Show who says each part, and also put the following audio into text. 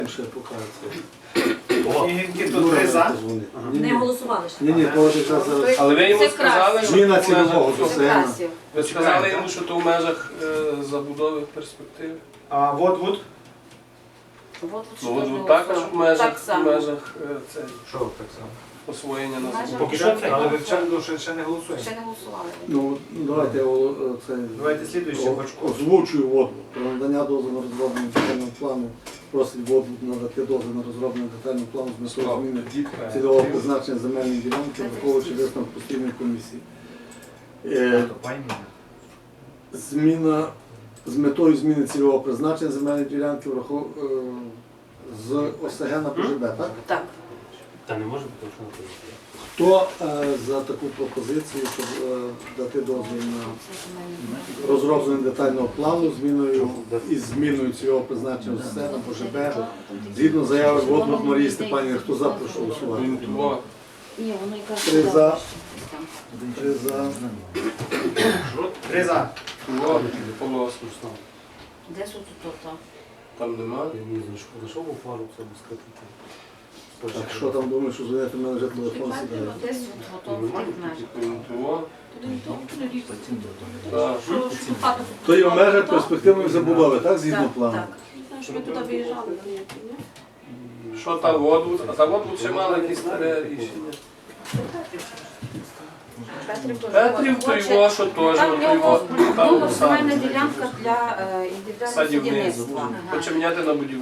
Speaker 1: Ще покажеться.
Speaker 2: Скільки тут 3 за?
Speaker 3: Не голосували ще.
Speaker 1: Ні, того час зараз.
Speaker 4: Але ви йому
Speaker 3: Це
Speaker 4: сказали,
Speaker 3: красиво.
Speaker 4: що
Speaker 1: Зміна
Speaker 4: то в межах
Speaker 1: цільового
Speaker 4: цього.
Speaker 1: досягнення.
Speaker 3: Красів.
Speaker 4: Ви сказали йому, що то в межах забудови перспективи.
Speaker 2: А вот.
Speaker 3: От
Speaker 4: Ну от також в межах,
Speaker 3: Так само.
Speaker 4: це,
Speaker 2: Що так само?
Speaker 4: освоєння на
Speaker 3: Межах.
Speaker 4: забудову.
Speaker 2: Поки що це, але вивчально ще не голосуємо.
Speaker 3: Ще не голосували.
Speaker 1: Ну, давайте я це
Speaker 2: Давайте слідуючий бачку.
Speaker 1: озвучую воду. Про надання дозволу на розроблення детального плану. Просить воду надати дозвіл на розроблення детального плану з метою зміни цільового призначення земельної ділянки, враховуючи висновок постійної комісії. Зміна з метою зміни цільового призначення земельної ділянки з ОСГ на ПЖБ, так?
Speaker 3: Так.
Speaker 5: Та не може бути, що не буде.
Speaker 1: Хто за таку пропозицію, щоб дати дозвіл на розроблення детального плану із зміною цільового призначення з ОСГ на ПЖБ, згідно заяви Воднут Марії Степанівни, хто за, прошу голосувати.
Speaker 4: Орієнтувати.
Speaker 3: Ні, воно якраз
Speaker 1: 3 за. 3 за.
Speaker 2: 3 за.
Speaker 4: Полоску.
Speaker 3: Де тут то?
Speaker 4: Там немає.
Speaker 5: Я не зайшов у пару, це без скрипки.
Speaker 1: Так, що там думаєш, що звонити, в мене вже телефон сідає.
Speaker 3: Десь от в тих межах.
Speaker 4: Орієнтувати. Так.
Speaker 1: То є в межах перспективної забудови, так, згідно плану?
Speaker 3: Так.
Speaker 6: Ми туди виїжджали.
Speaker 4: Що та воду? А за воду ще мали якісь старе рішення. Петрів то його, що теж.
Speaker 3: Там в
Speaker 4: то його,
Speaker 3: нього
Speaker 4: там
Speaker 3: земельна ділянка для індивідуального
Speaker 4: садівництво.
Speaker 3: садівництва.
Speaker 4: Хоче міняти на будівництво.